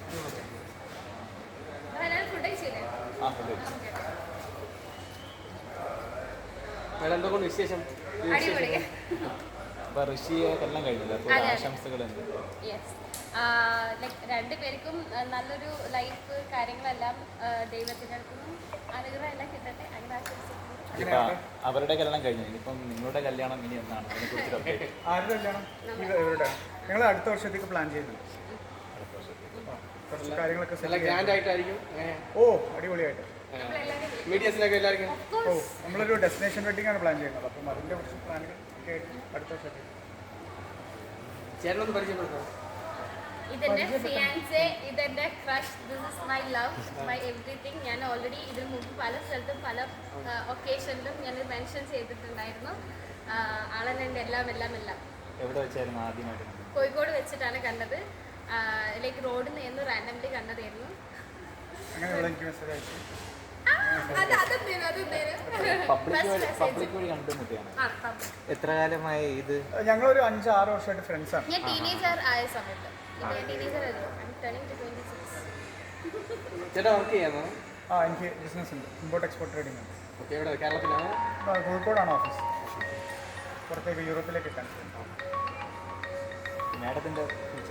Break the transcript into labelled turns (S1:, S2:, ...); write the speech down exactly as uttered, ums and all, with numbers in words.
S1: Madam എന്തൊക്കെ വിശേഷം?
S2: അപ്പോൾ ഋഷിയെ എല്ലാം കഴിഞ്ഞില്ല, അപ്പോൾ ആശംസകളുണ്ട്.
S3: യെസ്, ലൈക്ക് രണ്ടുപേർക്കും നല്ലൊരു ലൈഫ് കാര്യങ്ങളെല്ലാം ദൈവത്തിൻ്റെ അടുത്തുനിന്നും അനുഗ്രഹം എല്ലാം കിട്ടട്ടെ, അങ്ങനെ ആശംസിക്കുന്നു.
S2: ഇപ്പം അവരുടെ കല്യാണം കഴിഞ്ഞു, ഇനിയിപ്പം നിങ്ങളുടെ കല്യാണം ഇനി എന്നാണ്? അതിനെക്കുറിച്ച് അപ്ഡേറ്റ്.
S4: ആരുടെ കല്യാണം? ഇവരുടെ. ഞങ്ങൾ അടുത്ത വർഷത്തേക്ക് പ്ലാൻ ചെയ്യുന്നുണ്ട്. കുറച്ച് കാര്യങ്ങളൊക്കെ
S1: നല്ല ഗ്രാൻഡ് ആയിട്ടായിരിക്കും.
S4: ഓ, അടിപൊളിയായിട്ട്.
S1: മീഡിയസിലൊക്കെ എല്ലാവർക്കും
S4: ഓ, നമ്മളൊരു ഡെസ്റ്റിനേഷൻ വെഡിങ് ആണ് പ്ലാൻ ചെയ്യുന്നത്. അപ്പം അതിൻ്റെ കുറച്ച് പ്ലാനുകൾ ഒക്കെ ആയിട്ട് അടുത്ത വർഷത്തേക്ക്.
S1: ചേട്ടനൊന്ന് പരിചയപ്പെടുത്താം.
S3: ഇതെന്റെ ഫിയാൻസെ, ഇതെന്റെ crush, this is my love, my everything. ഞാൻ ഓൾറെഡി ഇതിന് മുമ്പ് പല സ്ഥലത്തും പല ഒക്കേഷനിലും ഞാൻ മെൻഷൻ ചെയ്തിട്ടുണ്ടായിരുന്നു. ആളെന്നെ എൻ്റെ എല്ലാം എല്ലാം എല്ലാം.
S2: എവിടെ വെച്ചായിരുന്നു ആദ്യമായിട്ട്?
S3: കോഴിക്കോട് വെച്ചിട്ടാണ് കണ്ടത്. ലൈക്ക് റോഡിൽ നിന്ന് റാൻഡംലി കണ്ടതായിരുന്നു.
S2: എത്ര കാലമായി ഇത്?
S4: ഞങ്ങളൊരു അഞ്ച് ആറ് വർഷമായിട്ട് ഫ്രണ്ട്സ് ആണ്.
S3: ഞാൻ ടീനേജർ ആയ സമയത്ത് ടീനേജർ
S1: ചേട്ടാ വർക്ക് ചെയ്യാമോ?
S4: ആ, എനിക്ക് ബിസിനസ് ഉണ്ട്, ഇമ്പോർട്ട് എക്സ്പോർട്ട് ട്രേഡിംഗ് ഉണ്ട്.
S1: ഓക്കെ, എവിടെ? കേരളത്തിലാണോ?
S4: കോഴിക്കോടാണ് ഓഫീസ്. പുറത്തേക്ക് യൂറോപ്പിലേക്ക് എത്താൻ.
S2: മാഡത്തിൻ്റെ